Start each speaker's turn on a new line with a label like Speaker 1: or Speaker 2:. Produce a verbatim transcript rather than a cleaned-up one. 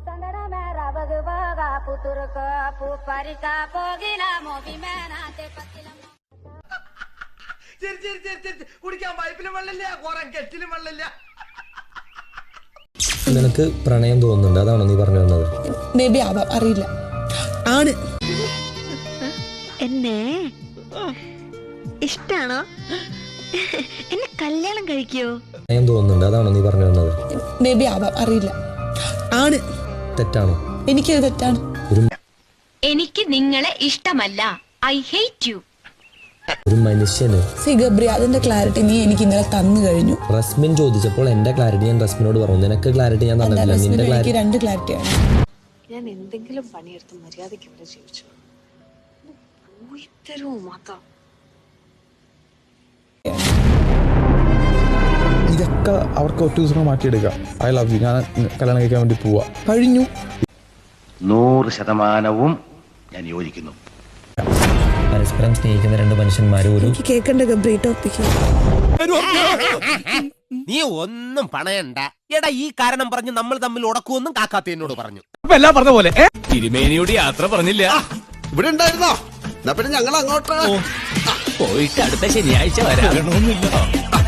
Speaker 1: കുടിക്കാൻ പൈപ്പിലും വെള്ളമില്ല, കുറെ കെറ്റിലും വെള്ളമില്ല.
Speaker 2: നിനക്ക് പ്രണയം തോന്നുന്നുണ്ട്, അതാണോ നീ പറഞ്ഞു വന്നത്?
Speaker 3: മേബി ആവാം, അറിയില്ല. ആണ്.
Speaker 4: എന്നെ ഇഷ്ടാണോ? എന്നെ കല്യാണം കഴിക്കോ?
Speaker 2: പ്രണയം തോന്നുന്നുണ്ട്, അതാണോ നീ പറഞ്ഞു വന്നത്?
Speaker 3: മേബി ആവാം, അറിയില്ല. ആണ്.
Speaker 2: തെറ്റാണോ?
Speaker 3: എനിക്കത് തെറ്റാണ്.
Speaker 4: എനിക്ക് നിങ്ങളെ ഇഷ്ടമല്ല. I hate you.
Speaker 2: ഒരു മനുഷ്യന്
Speaker 3: സി ഗബ്രി, അതിന്റെ ക്ലാരിറ്റി നീ എനിക്ക് ഇന്നലെ തന്നു കഴിഞ്ഞു.
Speaker 2: റസ്മിൻ ചോദിച്ചപ്പോൾ എന്റെ ക്ലാരിറ്റി ഞാൻ റസ്മിനോട് പറഞ്ഞു. നിനക്ക് ക്ലാരിറ്റി ഞാൻ തന്നിട്ടില്ല. നിന്റെ
Speaker 3: എനിക്ക് രണ്ട് ക്ലാരിറ്റിയാണ്.
Speaker 5: ഞാൻ എന്തെങ്കിലും പണിയെടുത്ത് മര്യാദയ്ക്ക് ഇവിടെ ജീവിച്ചു തരുമോ മാത്രം.
Speaker 6: ഇതൊക്കെ അവർക്ക് ഒറ്റ ദിവസം മാറ്റിയെടുക്കാം. ഐ ലവ് യു, ഞാൻ കല്യാണം കഴിക്കാൻ വേണ്ടി പോവാ, കഴിഞ്ഞു.
Speaker 7: നൂറ് ശതമാനവും ഞാൻ യോജിക്കുന്നു.
Speaker 2: പരസ്പരം സ്നേഹിക്കുന്ന രണ്ട് മനുഷ്യന്മാരും ഒരു
Speaker 3: കേൾക്കണ്ട ഗബ്രി ടോപ്പിക്ക്.
Speaker 1: നീ ഒന്നും പണയണ്ട. എടാ, ഈ കാരണം പറഞ്ഞ് നമ്മൾ തമ്മിൽ ഉടക്കുമെന്നും കാക്കാത്ത എന്നോട് പറഞ്ഞു.
Speaker 8: എല്ലാം പറഞ്ഞ പോലെ തിരുമേനിയോട് യാത്ര പറഞ്ഞില്ല.
Speaker 9: ഇവിടെ ഉണ്ടായിരുന്നോ? പിന്നെ ഞങ്ങൾ അങ്ങോട്ട്
Speaker 8: പോയിട്ട് അടുത്ത ശനിയാഴ്ച വരാം.